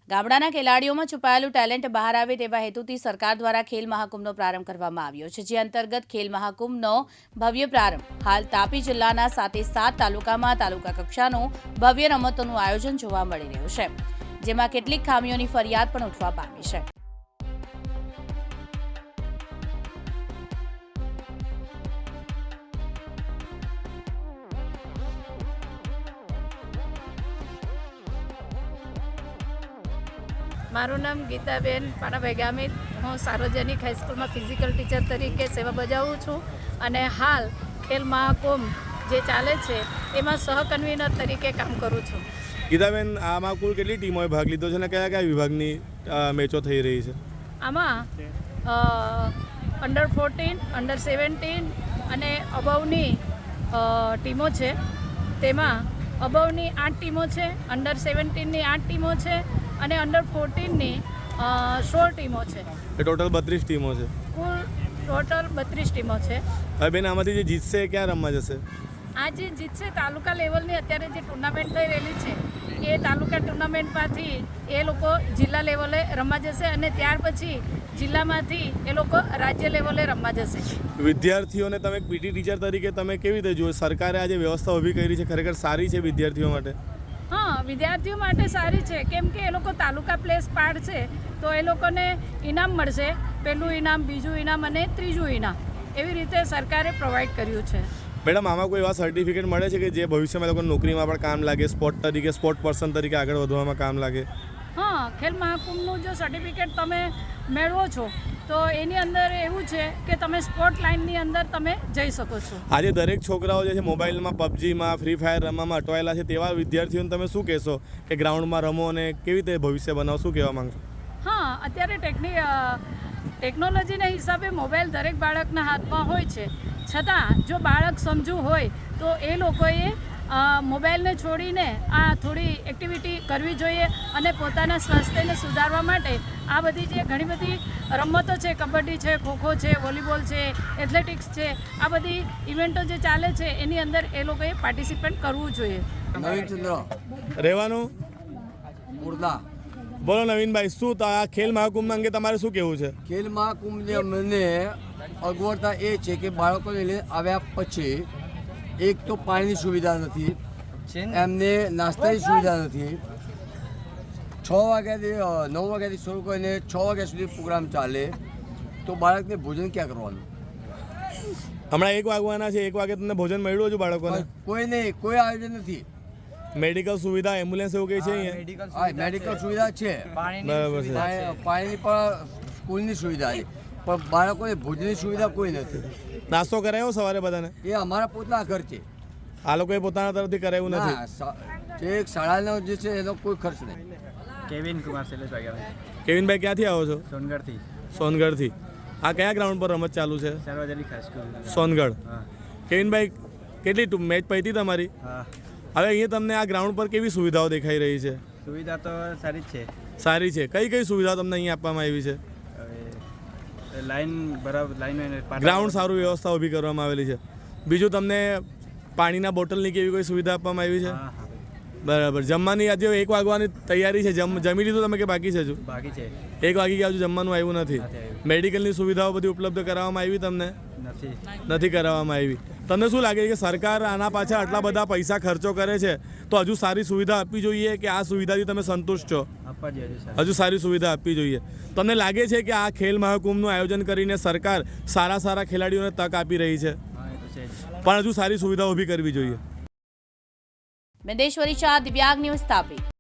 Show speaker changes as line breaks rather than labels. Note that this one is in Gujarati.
ગામડાના ખેલાડીઓમાં છુપાયેલું ટેલેન્ટ બહાર આવે તેવા હેતુથી સરકાર દ્વારા ખેલ મહાકુંભનો પ્રારંભ કરવામાં આવ્યો છે, જે અંતર્ગત ખેલ મહાકુંભનો ભવ્ય પ્રારંભ હાલ તાપી જિલ્લાના 7 તાલુકામાં તાલુકા કક્ષાનું ભવ્ય રમતોનું આયોજન જોવા મળી રહ્યું છે, જેમાં કેટલીક ખામીઓની ફરિયાદ પણ ઉઠવા પામી છે.
મારું નામ ગીતાબેન પાણાભાઈ ગામિત. હું સાર્વજનિક હાઈસ્કૂલમાં ફિઝિકલ ટીચર તરીકે સેવા બજાવું છું અને હાલ ખેલ મહાકુંભ જે ચાલે છે એમાં સહકન્વીનર તરીકે કામ કરું છું.
ગીતાબેન, આમાં કુલ કેટલી ટીમોએ ભાગ લીધો છે અને કયા કયા વિભાગની મેચો થઈ રહી છે?
આમાં અંડર 14, અંડર 17 અને અબવની ટીમો છે. તેમાં અબવની 8 ટીમો છે, અંડર 17ની 8 ટીમો છે અને અંડર 14ની 16 ટીમો છે.
એ ટોટલ 32 ટીમો છે.
કુલ ટોટલ 32 ટીમો છે.
હવે બેન, આમાંથી જે જીતશે એ ક્યાં રમવા જશે?
આ જે જીતશે તાલુકા લેવલની અત્યારે જે ટુર્નામેન્ટ થઈ રહેલી છે એ તાલુકા ટુર્નામેન્ટમાંથી એ લોકો જિલ્લા લેવલે રમવા જશે અને ત્યાર પછી જિલ્લામાંથી એ લોકો રાજ્ય લેવલે રમવા જશે.
વિદ્યાર્થીઓને તમે પીટી ટીચર તરીકે તમે કેવી રીતે જુઓ? સરકારે આ જે વ્યવસ્થા ઊભી કરી છે ખરેખર સારી છે વિદ્યાર્થીઓ માટે?
હા, વિદ્યાર્થીઓ માટે સારી છે, કેમ કે એ લોકો તાલુકા પ્લેસ પાડશે તો એ લોકોને ઇનામ મળશે. પહેલું ઇનામ, બીજું ઇનામ અને ત્રીજું ઇનામ, એવી રીતે સરકારે પ્રોવાઈડ કર્યું છે.
મેડમ, આમાં કોઈ એવા સર્ટિફિકેટ મળે છે કે જે ભવિષ્યમાં લોકોને નોકરીમાં પણ કામ લાગે, સ્પોર્ટ પર્સન તરીકે આગળ વધવામાં કામ લાગે?
હા, ખેલ મહાકુંભનું જો સર્ટિફિકેટ તમે મેળવો છો તો એની અંદર એવું છે કે તમે સ્પોર્ટ લાઇનની અંદર તમે જઈ શકો છો.
આજે દરેક છોકરાઓ જે છે મોબાઈલમાં પબજીમાં, ફ્રી ફાયર રમવામાં અટવાયેલા છે, તેવા વિદ્યાર્થીઓને તમે શું કહેશો કે ગ્રાઉન્ડમાં રમો અને કેવી રીતે ભવિષ્ય બનાવો? શું કહેવા માંગશો?
હા, અત્યારે ટેકનોલોજીના હિસાબે મોબાઈલ દરેક બાળકના હાથમાં હોય છે, છતાં જો બાળક સમજુ હોય તો એ લોકોએ મોબાઈલને છોડીને આ થોડી એક્ટિવિટી કરવી જોઈએ અને પોતાના સ્વાસ્થ્યને સુધારવા માટે આ બધી જે ઘણી બધી રમતો છે, કબડ્ડી છે, ખોખો છે, વોલીબોલ છે, એથ્લેટિક્સ છે, આ બધી ઇવેન્ટો જે ચાલે છે એની અંદર એ લોકોએ પાર્ટિસિપેટ કરવું જોઈએ.
નવીનચંદ્ર
રહેવાનું
મુર્દા.
બોલો નવીનભાઈ, શું આ ખેલ મહાકુંભ અંગે તમારે શું કહેવું છે?
ખેલ મહાકુંભની મને અગવડતા એ છે કે બાળકોને લઈને આવ્યા પછી એક તો પાણીની સુવિધા નથી, એમને નાસ્તાની સુવિધા નથી. 9 વાગ્યાથી શરૂ કરીને 6 વાગ્યા સુધી પ્રોગ્રામ ચાલે તો બાળકને ભોજન ક્યાં કરવાનું?
હમણાં 1 વાગવાના છે, 1 વાગે તમને ભોજન મળ્યું છે બાળકોને?
કોઈ નહીં, કોઈ આયોજન નથી.
મેડિકલ સુવિધા, એમ્બ્યુલન્સ એવું કંઈ છે અહીંયા?
હા, મેડિકલ સુવિધા છે,
બરાબર છે.
પાણીની પણ સ્કૂલની સુવિધા છે, પણ બાળકોને ભોજનની સુવિધા કોઈ નથી.
નાસ્તો કરાયો સવારે બધાને?
એ અમારા પોતાના ખર્ચ છે.
આ લોકોએ પોતાના તરફથી કરાયું નથી?
જે શાળાનો જે છે એનો કોઈ ખર્ચ નહીં.
કેવિન કુમાર શૈલેષ વાઘેલા.
કેવિનભાઈ, ક્યાંથી આવો છો?
સોનગઢથી.
સોનગઢથી. આ કયા ગ્રાઉન્ડ પર રમત ચાલુ છે?
સાર્વજનિક હાઈસ્કૂલ.
સોનગઢ.
હા.
કેવિનભાઈ, કેટલી મેચ પતી તમારી?
હા.
હવે અહીંયા તમને આ ગ્રાઉન્ડ પર કેવી સુવિધાઓ દેખાઈ રહી છે?
સુવિધા તો સારી જ છે.
સારી છે. કઈ કઈ સુવિધા તમને અહીંયા આપવામાં આવી છે?
હવે લાઈન બરાબર, લાઈન
ગ્રાઉન્ડ સારું વ્યવસ્થા ઊભી કરવામાં આવેલી છે. બીજું તમને પાણીના બોટલની કેવી કોઈ સુવિધા આપવામાં આવી છે?
હા હા,
બરાબર. જમવાની આજે 1 વાગવાની તૈયારી છે, જમી લીધું તમે કે બાકી છે? હજુ
બાકી છે.
1 વાગી ગયા, હજુ જમવાનું આવ્યું નથી.
નથી આવ્યું.
મેડિકલની સુવિધાઓ બધી ઉપલબ્ધ કરાવવામાં આવી તમને? નથી કરાવવામાં આવી. તમને શું લાગે છે કે સરકાર આના પાછળ આટલા બધા પૈસા ખર્ચો કરે છે તો હજુ સારી સુવિધા આપવી જોઈએ કે આ સુવિધાથી તમે સંતુષ્ટ છો?
આપવા જોઈએ.
હજુ સારી સુવિધા આપવી જોઈએ. તમને લાગે છે કે આ ખેલ મહાકુંભનું આયોજન કરીને સરકાર સારા ખેલાડીઓને તક આપી રહી છે?
હા, એ તો છે જ.
પણ હજુ સારી સુવિધા ઊભી કરવી જોઈએ.
મેદેશ્વરી શાહ, દિવ્યાંગ ન્યૂઝ, તાપી.